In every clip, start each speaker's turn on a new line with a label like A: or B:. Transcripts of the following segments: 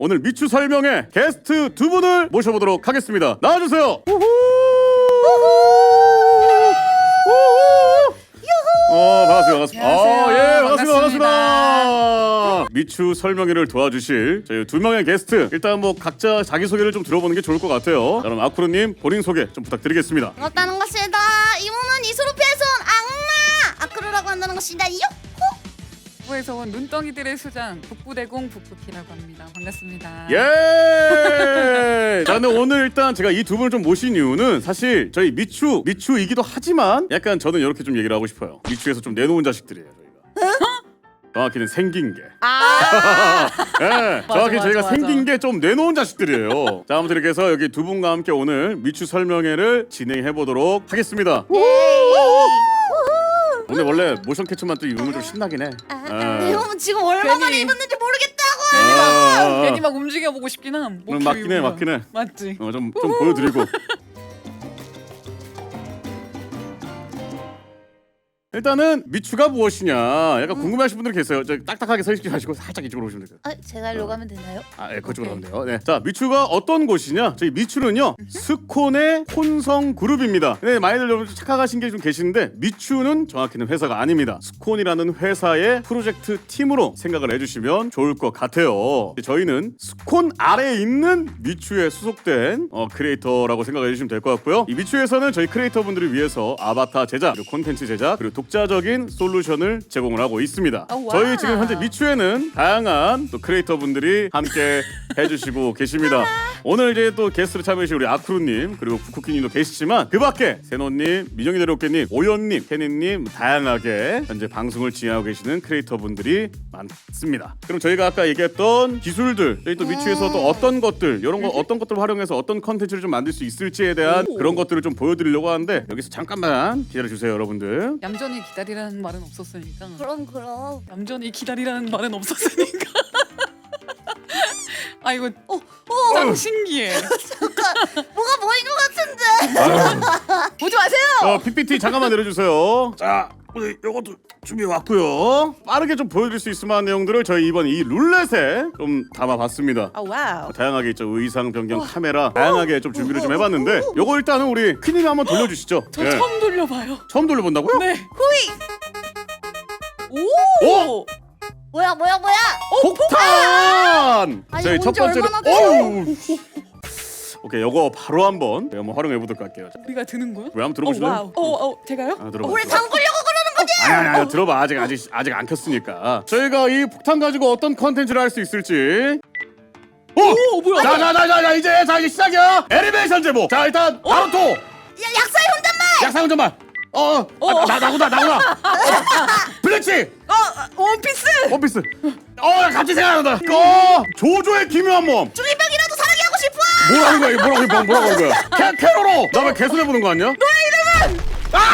A: 오늘 미추 설명회 게스트 두 분을 모셔보도록 하겠습니다. 나와주세요. 반갑습니다.
B: 안녕하세요.
A: 반갑습니다. 미추 설명회를 도와주실 저희 두 명의 게스트, 일단 뭐 각자 자기소개를 좀 들어보는 게 좋을 것 같아요. 그럼 아쿠르님 본인 소개 좀 부탁드리겠습니다.
C: 반갑다는 것이다. 이 몸은 이소르피아에서 온 악마 아크루라고 한다는 것이다.
B: 북부에서 온 눈덩이들의 수장 북부대공 북부키라고 합니다. 반갑습니다.
A: 예! 자, 근데 오늘 일단 제가 이 두 분을 좀 모신 이유는 사실 저희 미추이기도 하지만 약간 저는 이렇게 좀 얘기를 하고 싶어요. 미추에서 좀 내놓은 자식들이에요, 저희가. 정확히는 생긴 게. 네, 정확히
B: 맞아,
A: 저희가
B: 맞아.
A: 생긴 게 좀 내놓은 자식들이에요. 자, 아무튼 이렇게 해서 여기 두 분과 함께 오늘 미추 설명회를 진행해 보도록 하겠습니다. 근데 원래 모션 캡처만 또 입으면 좀 신나긴 해.
C: 이 몸은 지금 얼마 만에
B: 괜히-
C: 입었는지 모르겠다고.
B: 괜히 막 움직여보고 싶긴 함.
A: 맞긴 해.
B: 맞지.
A: 좀 보여드리고. 일단은 미추가 무엇이냐 약간 궁금해하시는 분들 계세요. 저 딱딱하게 서 있지 마시고 살짝 이쪽으로 오시면 돼요.
C: 제가 일로 가면 되나요?
A: 예, 그쪽으로 가면 돼요. 네. 자, 미추가 어떤 곳이냐? 저희 미추는요, 스콘의 혼성 그룹입니다. 근데 많이들 좀 착각하신 게 좀 계시는데, 미추는 정확히는 회사가 아닙니다. 스콘이라는 회사의 프로젝트 팀으로 생각을 해주시면 좋을 것 같아요. 저희는 스콘 아래에 있는 미추에 소속된 크리에이터라고 생각해 주시면 될 것 같고요. 이 미추에서는 저희 크리에이터분들을 위해서 아바타 제작, 그리고 콘텐츠 제작, 그리고 독자적인 솔루션을 제공을 하고 있습니다.
C: 와.
A: 저희 지금 현재 미추에는 다양한 또 크리에이터분들이 함께 해주시고 계십니다. 오늘 이제 또 게스트로 참여해주신 우리 아쿠루님, 그리고 부쿠키님도 계시지만 그 밖에 세노님, 민영이 대로깨님, 오연님, 케니님, 다양하게 현재 방송을 진행하고 계시는 크리에이터분들이 많습니다. 그럼 저희가 아까 얘기했던 기술들, 저희 또 미추에서 또 어떤 것들, 이런 거 어떤 것들을 활용해서 어떤 컨텐츠를 좀 만들 수 있을지에 대한 그런 것들을 좀 보여드리려고 하는데, 여기서 잠깐만 기다려주세요, 여러분들.
B: 얌전히 기다리라는 말은 없었으니까.
C: 그럼.
B: 얌전히 기다리라는 말은 없었으니까. 아 이거 짱 신기해.
C: 잠깐 뭐가 보인 것 같은데. 보지 마세요.
A: PPT 잠깐만 내려주세요. 자, 우리 요것도 준비해 왔고요. 빠르게 좀 보여드릴 수 있을 만한 내용들을 저희 이번 이 룰렛에 좀 담아봤습니다.
C: 와우.
A: 다양하게 있죠. 의상 변경, 카메라 다양하게 좀 준비를 좀 해봤는데, 요거 일단은 우리 퀸님이 한번 돌려주시죠.
B: 저
A: 예.
B: 처음 돌려봐요.
A: 처음 돌려본다고요?
B: 네.
C: 후이.
B: 오.
C: 뭐야?
A: 폭탄!
C: 아니,
A: 저희 첫
C: 온지
A: 번째로
C: 얼마나 돼요?
A: 오케이, 요거 바로 한번 제가 한번 활용해 보도록 할게요.
B: 우리가 드는 거야?
A: 왜 한번 들어보실래요?
B: 와우. 제가요?
A: 들어봐.
C: 우리 담그려고 그러는 거지?
A: 아니, 들어봐. 아직 안 켰으니까. 저희가 이 폭탄 가지고 어떤 컨텐츠를 할 수 있을지.
B: 오 뭐야?
A: 자, 이제 시작이야. 애니메이션 제목. 자, 일단 바로 또
C: 약사의 혼잣말.
A: 약상 운전만. 나구나. 블리치. 원피스. 갑자기 생각난다. 조조의 기묘한 몸.
C: 중이병이라도 사랑해 하고 싶어.
A: 뭐라는 거야? 뭐라고 하는 거야? 캐로로. 나 왜 개손해 보는 거 아니야? 너의 이름은.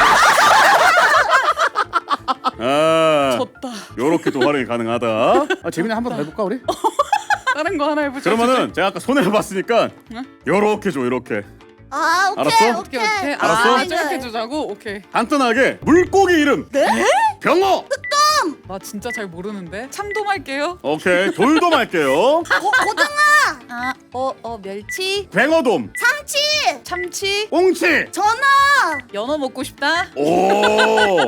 B: 졌다.
A: 요렇게도 활용이 가능하다. 재민이 한번 더 해볼까 우리?
B: 다른 거 하나 해보자.
A: 그러면은 제가 아까 손에 해봤으니까 요렇게 줘, 요렇게. 알았어?
B: 오케이.
A: 알았어?
B: 저렇게 주자고. 오케이.
A: 간단하게 물고기 이름. 네? 병어.
B: 나 진짜 잘 모르는데. 참돔할게요.
A: 오케이. 돌돔 할게요.
C: 고등어. 멸치.
A: 뱅어돔.
C: 삼치.
B: 참치.
A: 꽁치.
C: 전어.
B: 연어 먹고 싶다.
A: 오.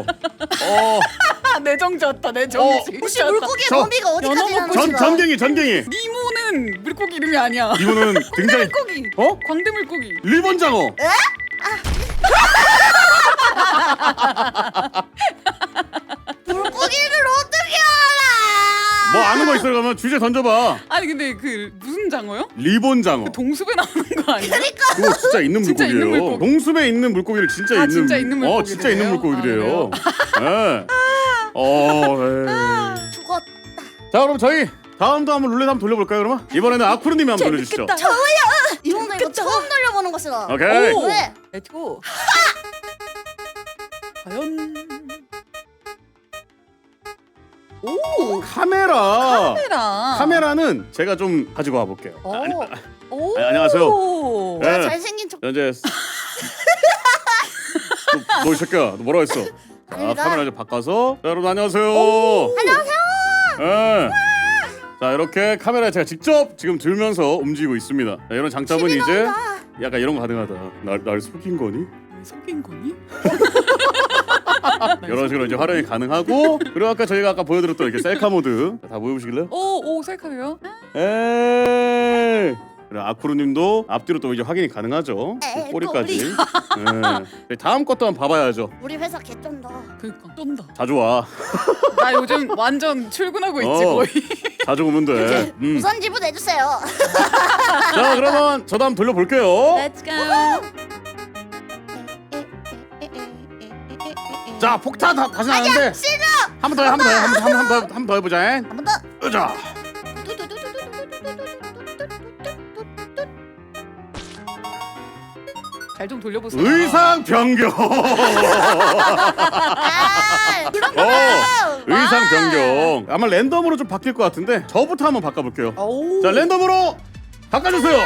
B: 내정 졌다. 내 정지.
C: 혹시 물고기의
A: 저-
C: 범위가 어디까지
B: 연어
C: 가는
B: 먹고
C: 거야?
A: 전갱이.
B: 니모는 물고기 이름이 아니야.
A: 이거는 굉장히
B: 물고기. 광대 물고기.
A: 리본장어.
C: 물고기를 어떻게 알아?
A: 뭐 아는 거 있어? 그러면 주제 던져봐.
B: 아니 근데 그 무슨 장어요?
A: 리본장어.
B: 동숲에 나오는 거 아니야?
A: 그거 진짜 있는
B: 진짜 있는
A: 물고기예요.
B: 물고기.
A: 동숲에 있는 물고기를 진짜
B: 진짜 있는 물고기래요?
A: 진짜 있는 물고기래요. 네. 에이.
C: 죽었다.
A: 자, 그럼 저희 다음도 한번 룰렛 한번 돌려볼까요? 그러면 이번에는 아쿠르님이 한번 돌려주시죠.
C: 이런 거 이거 처음 돌려보는 것이다.
A: 오케이.
B: 오.
C: 왜?
B: 렛츠고. 과연. 오.
A: 카메라.
B: 카메라는
A: 제가 좀 가지고 와볼게요.
B: 오.
A: 안녕하세요. 네.
C: 잘생긴 척.
A: 현재 너 이 새끼야, 너 뭐라 했어? 자,
C: 아닙니다.
A: 카메라 좀 바꿔서. 자, 여러분 안녕하세요.
C: 안녕하세요.
A: 네. 자, 자 이렇게 카메라에 제가 직접 지금 들면서 움직이고 있습니다. 자, 이런 장점은
C: 힘이
A: 이제
C: 나온다.
A: 약간 이런 거 가능하다. 날 속인 거니?
B: 속인 거니?
A: 이런 식으로 이제 활용이 가능하고 그리고 아까 보여드렸던 이렇게 셀카 모드 다 보여보시길래요?
B: 오 셀카요?
A: 에이. 그래 아쿠루님도 앞뒤로 또 이제 확인이 가능하죠.
C: 에이,
A: 꼬리까지. 네. 다음 것도 한번 봐봐야죠.
C: 우리 회사 개쩐다.
B: 그니까 쩐다.
A: 자주 와.
B: 나 요즘 완전 출근하고 있지
A: 어.
B: 거의.
A: 자주 오면 돼.
C: 우선 지불해주세요.
A: 자 그러면 저도 한번 돌려볼게요.
B: Let's go.
A: 자 폭탄 다시 나왔는데
C: 싫어.
A: 한 번 더 해, 한 번 더 해, 한 번 더 해보자.
C: 한 번 더.
A: 자.
B: 잘 좀 돌려보세요.
A: 의상 변경.
C: 아, 그런 거 말고.
A: 의상 변경. 아마 랜덤으로 좀 바뀔 것 같은데 저부터 한번 바꿔볼게요.
B: 오.
A: 자 랜덤으로 바꿔주세요.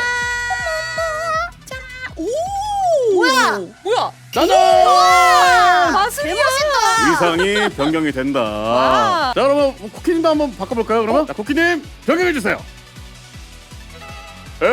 B: 오.
C: 뭐야?
B: 뭐야?
A: 짜잔!
B: 마술이야.
A: 의상이 변경이 된다.
B: 와.
A: 자 그러면 쿠키님도 한번 바꿔볼까요? 그러면 자, 쿠키님 변경해 주세요.
C: 개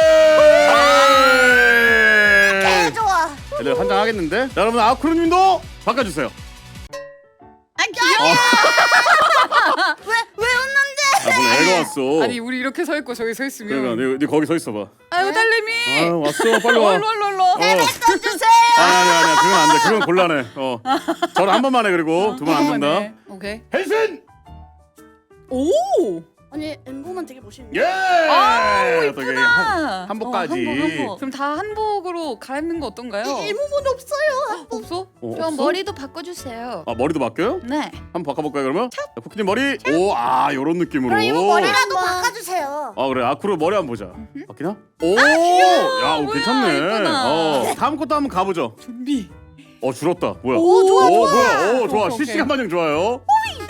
A: 에이.
C: 좋아.
A: 애들 환장하겠는데? 자 여러분 아쿠루님도 바꿔주세요.
C: 아 귀여워. 왜 웃는데?
A: 아 오늘 애가 왔어.
B: 아니 우리 이렇게 서 있고 저기 서 있으면.
A: 그러니까 네 거기 서 있어봐.
B: 아유 딸내미.
A: 아 왔어 빨리 와.
B: 얼로.
C: 내뱉어 주세요.
A: 아니야 그건 안 돼. 그건 곤란해. 저는 한 번만 해 그리고 두 번 안 된다.
B: 오케이.
A: 헬슨.
B: 오.
C: 아니 엠보만 되게 멋있네.
A: 예.
B: 아우
A: 어떻게
B: 이쁘다.
A: 한복까지.
B: 한복. 그럼 다 한복으로 갈아입는 거 어떤가요?
C: 일무분 없어요.
B: 없어?
C: 그럼
A: 없어?
C: 머리도 바꿔주세요.
A: 아 머리도 바뀌어요?
C: 네.
A: 한번 바꿔볼까요 그러면? 자, 쿠키님 머리. 오 요런 느낌으로.
C: 그럼 이거 머리라도 바꿔주세요.
A: 아 그래 아쿠루 머리 한번 보자. 바뀌나? 오.
B: 귀여워.
A: 야
B: 뭐야,
A: 괜찮네.
B: 예쁘다.
A: 다음 것도 한번 가보죠.
B: 준비.
A: 줄었다. 뭐야?
C: 오, 좋아, 좋아.
A: 뭐야? 오 좋아.
B: 오케이,
A: 실시간 반영 좋아요.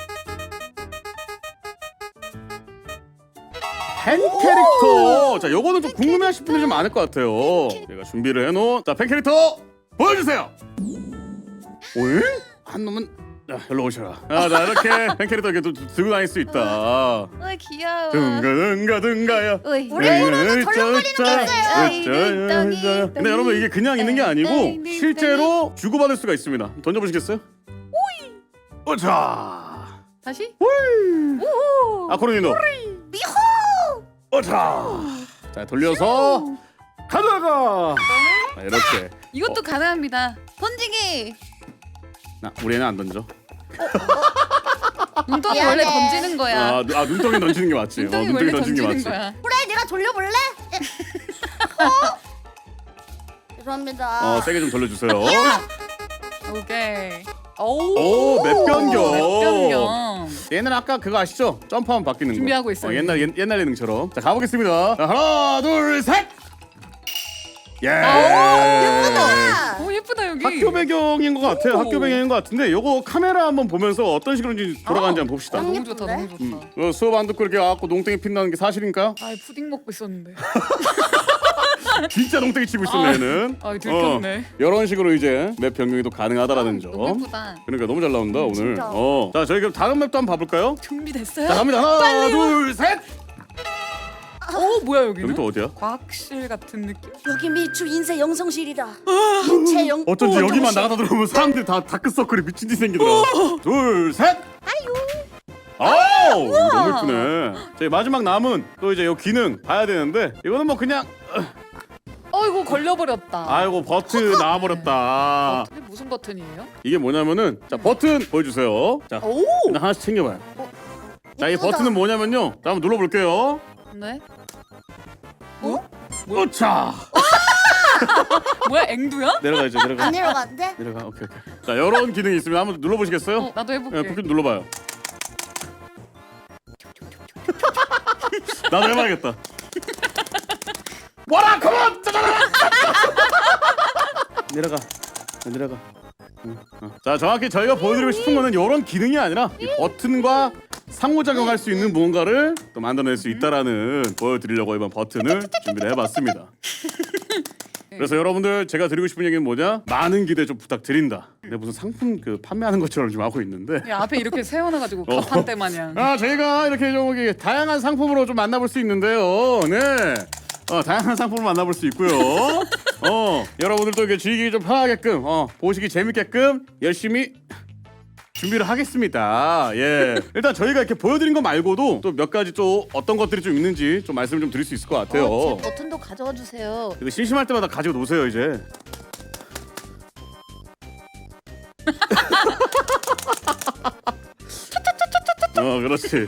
A: 펜 캐릭터. 자, 요거는 좀 궁금해하실 분이 좀 많을 것 같아요. 제가 준비를 해놓은 자, 펜 캐릭터 보여주세요. 오이? 한 놈은 자, 일로 오셔라. 자, 이렇게 펜 캐릭터 이렇게 또 들고 다닐 수 있다.
C: 어이 귀여워.
A: 등가야.
C: 우리 코로나 덜렁거리는 게 있어요.
A: 근데 여러분 이게 그냥 있는 게 아니고 실제로 주고받을 수가 있습니다. 던져보시겠어요? 오이. 자.
B: 다시?
C: 우후.
A: 아쿠루님도.
C: 미호.
A: 자 돌려서 가져가. 자, 이렇게.
B: 이것도 가능합니다.
C: 던지기.
A: 우리 애는 안 던져.
B: 눈덩이
C: 미안해.
B: 원래 던지는 거야.
A: 눈덩이 던지는 게 맞지.
B: 눈덩이 원래 던지는 거야.
C: 그래 내가 돌려볼래? 죄송합니다.
A: 세게 좀 돌려주세요.
B: 오케이.
A: 오, 맵 변경.
B: 맵 변경.
A: 얘는 아까 그거 아시죠? 점프하면 바뀌는 거.
B: 준비하고 있어요.
A: 옛날 예능처럼. 자 가보겠습니다. 자, 하나, 둘, 셋. 예.
B: 오 예쁘다 여기.
A: 학교 배경인 것 같아요.
B: 오.
A: 학교 배경인 것 같은데 요거 카메라 한번 보면서 어떤 식으로인지 돌아가는지 한번 봅시다.
B: 너무 좋다 너무 좋다.
A: 수업 안 듣고 이렇게 와갖고 농땡이 핀다는 게 사실인가요?
B: 아 푸딩 먹고 있었는데.
A: 진짜 농땡이 치고 있었네 얘는.
B: 아 들켰네.
A: 이런 식으로 이제 맵 변경이 또 가능하다라는 점.
B: 너무 예쁘다.
A: 그러니까 너무 잘 나온다 오늘.
C: 진짜.
A: 자 저희 그럼 다른 맵도 한번 봐볼까요?
B: 준비됐어요?
A: 자 갑니다. 하나, 둘, 셋.
B: 오 뭐야 여기는?
A: 여기 또 어디야?
B: 과학실 같은 느낌?
C: 여기 미추 인쇄 영성실이다. 인체 영.
A: 어쩐지 여기만 나가다 들어오면 사람들이 다 다크서클이 미친 듯이 생기더라. 둘, 셋. 아유. 너무 예쁘네. 저희 마지막 남은 또 이제 요 기능 봐야 되는데 이거는 뭐 그냥
B: 이거 걸려버렸다.
A: 아이고 버튼 나와버렸다.
B: 이게 무슨 버튼이에요?
A: 이게 뭐냐면은 자 버튼 보여주세요. 자
B: 오.
A: 일단 하나씩 챙겨봐요. 자 이
C: 예쁘다.
A: 버튼은 뭐냐면요. 자 한번 눌러볼게요.
B: 네.
A: 오차.
B: 뭐야 앵두야?
A: 내려가야죠. 내려가.
C: 안 내려가는데?
A: 내려가. 오케이. 자 이런 기능이 있으면 한번 눌러보시겠어요?
B: 나도 해볼게.
A: 네, 쿠키 눌러봐요. 나도 해봐야겠다. 와라 컴온! 내려가. 내려가. 자 정확히 저희가 보여드리고 싶은 거는 이런 기능이 아니라 이 버튼과 상호작용할 수 있는 무언가를 또 만들어낼 수 있다라는 보여드리려고 이번 버튼을 준비를 해봤습니다. 그래서 여러분들 제가 드리고 싶은 얘기는 뭐냐? 많은 기대 좀 부탁드린다. 근데 무슨 상품 그 판매하는 것처럼 좀 하고 있는데.
B: 야, 앞에 이렇게 세워놔가지고 가판대 마냥.
A: 저희가 이렇게 좀 이게 다양한 상품으로 좀 만나볼 수 있는데요. 네. 다양한 상품을 만나볼 수 있고요. 여러분들도 이게 즐기기 좀 편하게끔, 보시기 재밌게끔 열심히 준비를 하겠습니다. 예. 일단 저희가 이렇게 보여드린 거 말고도 또 몇 가지 또 어떤 것들이 좀 있는지 좀 말씀을 좀 드릴 수 있을 것 같아요.
C: 제 버튼도 가져와 주세요.
A: 이거 심심할 때마다 가지고 노세요 이제. 그렇지.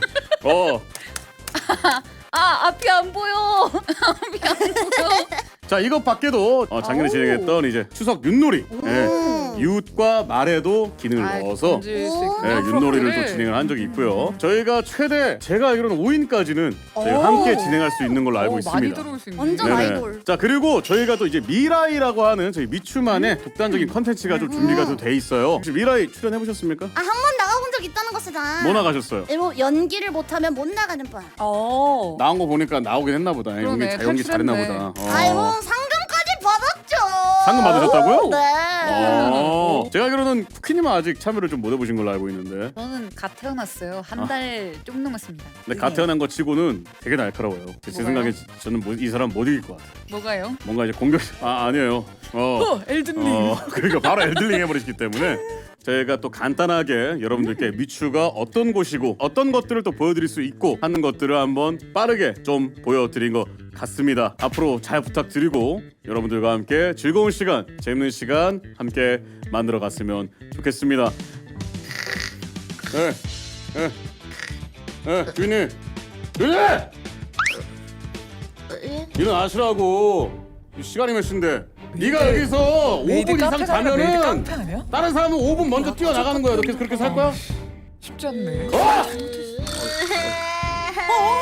C: 앞이 안 보여. 앞이 안 보여.
A: 자, 이것 밖에도 작년에 진행했던 이제 추석 윷놀이. 예. 윷과 말에도 기능을 넣어서
B: 던질 수 있군요.
A: 예, 윷놀이를 또
B: 프로그램을.
A: 진행을 한 적이 있고요. 저희가 최대 제가 알기로는 5인까지는 저희가 함께 진행할 수 있는 걸로 알고
B: 많이
A: 있습니다.
B: 들어올 수 있네.
C: 완전
A: 네네.
C: 아이돌.
A: 자, 그리고 저희가 또 이제 미라이라고 하는 저희 미추만의 독단적인 컨텐츠가 좀 준비가 좀 돼 있어요. 혹시 미라이 출연해 보셨습니까?
C: 한 번 나가본 적 있다는 것이다.
A: 뭐 나가셨어요?
C: 일본 연기를 못하면 못 나가는 뻔.
A: 나온 거 보니까 나오긴 했나 보다.
B: 그러네,
A: 연기 잘했나
B: 탈출했네.
A: 보다.
C: 아이고 상금까지 받았죠.
A: 상금 받으셨다고요?
C: 네.
A: 제가 알기로는 쿠키님은 아직 참여를 좀 못 해보신 걸로 알고 있는데.
B: 저는 갓 태어났어요. 한 달 좀 넘었습니다.
A: 근데 갓 태어난 거 치고는 되게 날카로워요. 제
B: 뭐가요?
A: 생각에 저는 이 사람 못 이길 것 같아요.
B: 뭐가요?
A: 뭔가 이제 공격 아니에요.
B: 엘든링.
A: 그러니까 바로 엘들링 해버리시기 때문에 저희가 또 간단하게 여러분들께 미추가 어떤 곳이고 어떤 것들을 또 보여드릴 수 있고 하는 것들을 한번 빠르게 좀 보여드린 것 같습니다. 앞으로 잘 부탁드리고 여러분들과 함께 즐거운 시간, 재밌는 시간 함께 만들어 갔으면 좋겠습니다. 주인님, 주인님! 일어나시라고. 시간이 몇 시인데? 네가 여기서 5분 이상 자면은
B: 아니야?
A: 다른 사람은 5분 먼저 뛰어나가는 거야. 너 계속 그렇게 살 거야?
B: 쉽지 않네.
A: 어!